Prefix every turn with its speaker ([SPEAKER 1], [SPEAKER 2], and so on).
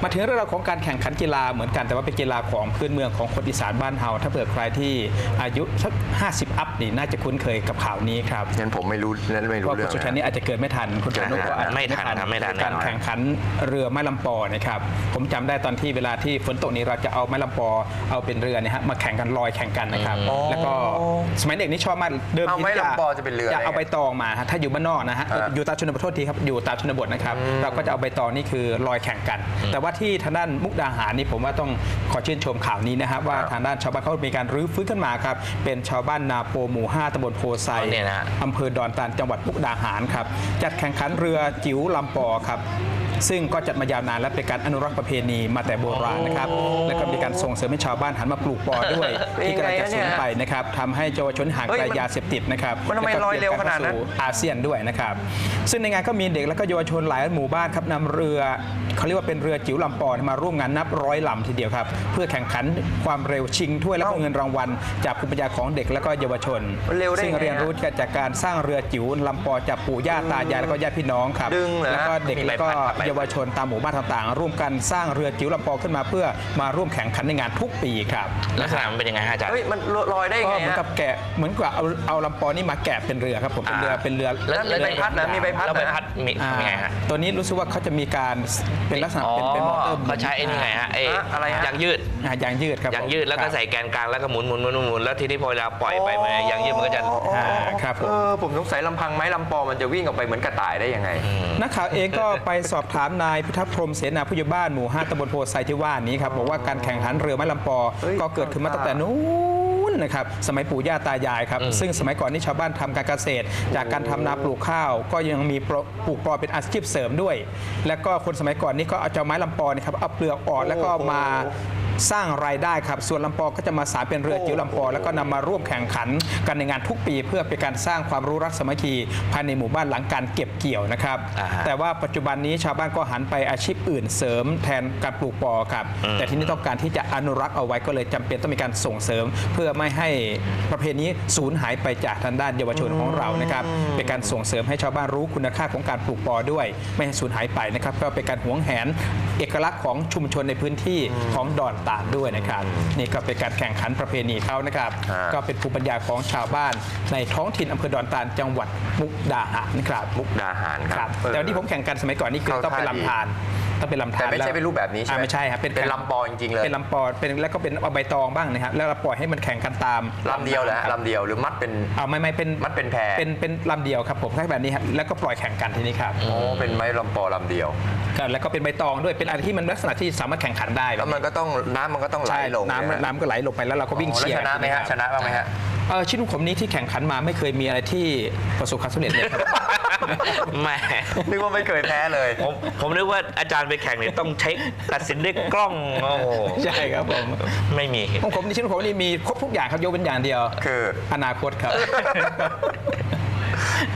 [SPEAKER 1] มาถึงเรื่องราวของการแข่งขันกีฬาเหมือนกันแต่ว่าเป็นกีฬาของพื้นเมืองของคนอีสานบ้านเฮาถ้าเผื่อใครที่อายุสัก50 อัพนี่น่าจะคุ้นเคยกับข่าวนี้ครับ
[SPEAKER 2] งั้นผมไม่รู้เรื่อง
[SPEAKER 1] เพราะคุณสุชันนี่อาจจะเกิดไม่ทันคุณสุนุก็อาจจะ
[SPEAKER 3] ไม่ทัน
[SPEAKER 1] การแข่งขันเรือไม้ลำปอนะครับผมจำได้ตอนที่เวลาที่ฝนตกนี้เราจะเอาไม้ลำปอเอาเป็นเรือเนี่ยฮะมาแข่งกันลอยแข่งกันนะครับแล้วก็สมัยเด็กนี่ชอบมากเดิมทีจะเอาใบตองมาถ้าอยู่บ้านนอกนะฮะอยู่ตามชนบทโทษทีครับอยู่ตามชนบทนะครับเราก็จะเอาใบตองนี่คือลอยแข่งกันแต่ว่าที่ทางด้านมุกดาหารนี่ผมว่าต้องขอชื่นชมข่าวนี้นะครับว่าทางด้านชาวบ้านเขามีการรื้อฟื้นขึ้นมาครับเป็นชาวบ้านนาโปหมู่ 5 ตำบลโพไซอำเภอดอนตาลจังหวัดมุกดาหารครับจัดแข่งขันเรือจิ๋วลำปอครับซึ่งก็จัดมายาวนานและเป็นการอนุรักษ์ประเพณีมาแต่โบราณนะครับและก็มีการส่งเสริมให้ชาวบ้านหันมาปลูกปอด้วยที่กำลังจะสูญไปนะครับทำให้เยาวชนห่างไกลยาเสพติดนะครับ
[SPEAKER 2] มันทำไมลอยเร็วขนาดนั้น
[SPEAKER 1] อาเซียนด้วยนะครับซึ่งในงานก็มีเด็กและก็เยาวชนหลายหมู่บ้านครับนำเรือเขาเรียกว่าเป็นเรือจิ๋วลำปอมาร่วมงานนับร้อยลำทีเดียวครับเพื่อแข่งขันความเร็วชิงถ้วยและก็เงินรางวัลจากภูมิปัญญาของเด็กและก็เยาวชนซึ่งเรียนรู้จากการสร้างเรือจิ๋วลำปอจากปู่ย่าตายายและก็ญาติพี่น้องครับแล้วก็เด็กและก็เยาวชนตามหมู่บ้านต่างๆร่วมกันสร้างเรือจิ๋วลำปอขึ้นมาเพื่อมาร่วมแข่งขันในงานทุกปีครับ
[SPEAKER 3] ลักษณะมันเป็นยังไงฮะอาจารย์
[SPEAKER 2] มันลอยได้ไง
[SPEAKER 1] เหมือนกับแกะเหมือนกับเอาลำปอนี่มาแกะเป็นเรือครับผมเป็นเรือ
[SPEAKER 2] แล้วมีใบพัดนะมีใบพัด
[SPEAKER 3] แล้วใบพัดมีไงฮะ
[SPEAKER 1] ตัวนี้รู้สึกว่าเขาจะมีการเป็นลักษณะเป็นมอเตอร์
[SPEAKER 3] เขาใช้ไอ้นี่ไงฮะ
[SPEAKER 2] อะไร
[SPEAKER 3] ยางยืด
[SPEAKER 1] ยางยืดครับ
[SPEAKER 3] ยางยืดแล้วก็ใส่แกนกลางแล้วก็หมุนแล้วทีนี้พอเราปล่อยไปมันยางยืดมันก็จะ
[SPEAKER 1] ครับ
[SPEAKER 2] ผมสงสัยลำพังไม้ลำปอมันจะวิ่งออกไปเหมือนกระต่ายได้ยังไง
[SPEAKER 1] นักข่าวเองก็ไปสอบถามนายพิทักษ์พรหมเสนาผู้ใหญ่บ้านหมู่ 5 ตำบลโพไซที่ว่านี้ครับบอกว่าการแข่งขันเรือไม้ลำปอก็เกิดขึ้นมาตั้งแต่นู้นนะครับสมัยปู่ย่าตายายครับซึ่งสมัยก่อนนี่ชาวบ้านทำการเกษตรจากการทำนาปลูกข้าวก็ยังมีปลูกปอเป็นอาชีพเสริมด้วยแล้วก็คนสมัยก่อนนี่ก็เอาไม้ลำปอนะครับเอาเปลือกออกแล้วก็มาสร้างรายได้ครับส่วนลำปอก็จะมาสานเป็นเรือจิ๋วลำปอแล้วก็นำมาร่วมแข่งขันกันในงานทุกปีเพื่อเป็นการสร้างความรู้รักสามัคคีภายในหมู่บ้านหลังการเก็บเกี่ยวนะครับแต่ว่าปัจจุบันนี้ชาวบ้านก็หันไปอาชีพอื่นเสริมแทนการปลูกปอครับแต่ที่นี่ต้องการที่จะอนุรักษ์เอาไว้ก็เลยจำเป็นต้องมีการส่งเสริมเพื่อไม่ให้ประเพณีสูญหายไปจากทางด้านเยาวชนของเรานะครับเป็นการส่งเสริมให้ชาวบ้านรู้คุณค่าของการปลูกปอด้วยไม่ให้สูญหายไปนะครับก็เป็นการหวงแหนเอกลักษณ์ของชุมชนในพื้นที่ของดอนตาลด้วยนะครับนี่ก็เป็นการแข่งขันประเพณีเขานะครับก็เป็นภูมิปัญญาของชาวบ้านในท้องถิ่นอำเภอดอนตาลจังหวัดมุกดาหารนะครับ
[SPEAKER 2] มุกดาหารครับ
[SPEAKER 1] แต่วันที่ผมแข่งกันสมัยก่อนนี่คือต้องเป็นลำธาร
[SPEAKER 2] แต่ไม่ใช่เป็นรูปแบบนี้ใช่ไหม
[SPEAKER 1] ไม่ใช่ครับ
[SPEAKER 2] เป็นลำปอจริงๆเลย
[SPEAKER 1] เป็นลำปอเป็นแล้วก็เป็นเอาใบตองบ้างนะครับแล้วเราปล่อยให้มันแข่งกันตาม
[SPEAKER 2] ลำเดียวแหละลำเดียวหรือมัดเป็น
[SPEAKER 1] ไม่เป็น
[SPEAKER 2] มัดเป็นแพ
[SPEAKER 1] เป็นลำเดียวครับผมแค่แบบนี้ครับแล้วก็ปล่อยแข่งกันทีนี้ครับ
[SPEAKER 2] เป็นไม้ลำปอลำเดียว
[SPEAKER 1] แล้วก็เป็นใบตองด้วยเป็นอะไรที่มันลักษณะที่สามารถแข่งขันได้
[SPEAKER 2] แล้วมันก็ต้องน้ำมันก็ต้องไหลลง
[SPEAKER 1] น้ำก็ไหลลงไปแล้วเราก็วิ่งเชียร์
[SPEAKER 2] ชนะไหมฮะชนะบ้างไหมฮะ
[SPEAKER 1] ชิ้นผมนี้ที่แข่งขันมาไม่เคยมีอะไรที่ประสบความสำเร็จเลยครับ
[SPEAKER 3] ไม่
[SPEAKER 2] นึกว่าไม่เคยแพ้เลย
[SPEAKER 3] ผมนึกว่าอาจารย์ไปแข่งเนี่ยต้องเช็คตัดสินด้วยกล้องโอ้
[SPEAKER 1] ใช่ครับผม
[SPEAKER 3] ไม่มี
[SPEAKER 1] ของผมชิ้นผมนี่มีครบทุกอย่างครับยกเป็นอย่างเดียว
[SPEAKER 2] คือ
[SPEAKER 1] อนาคตครับ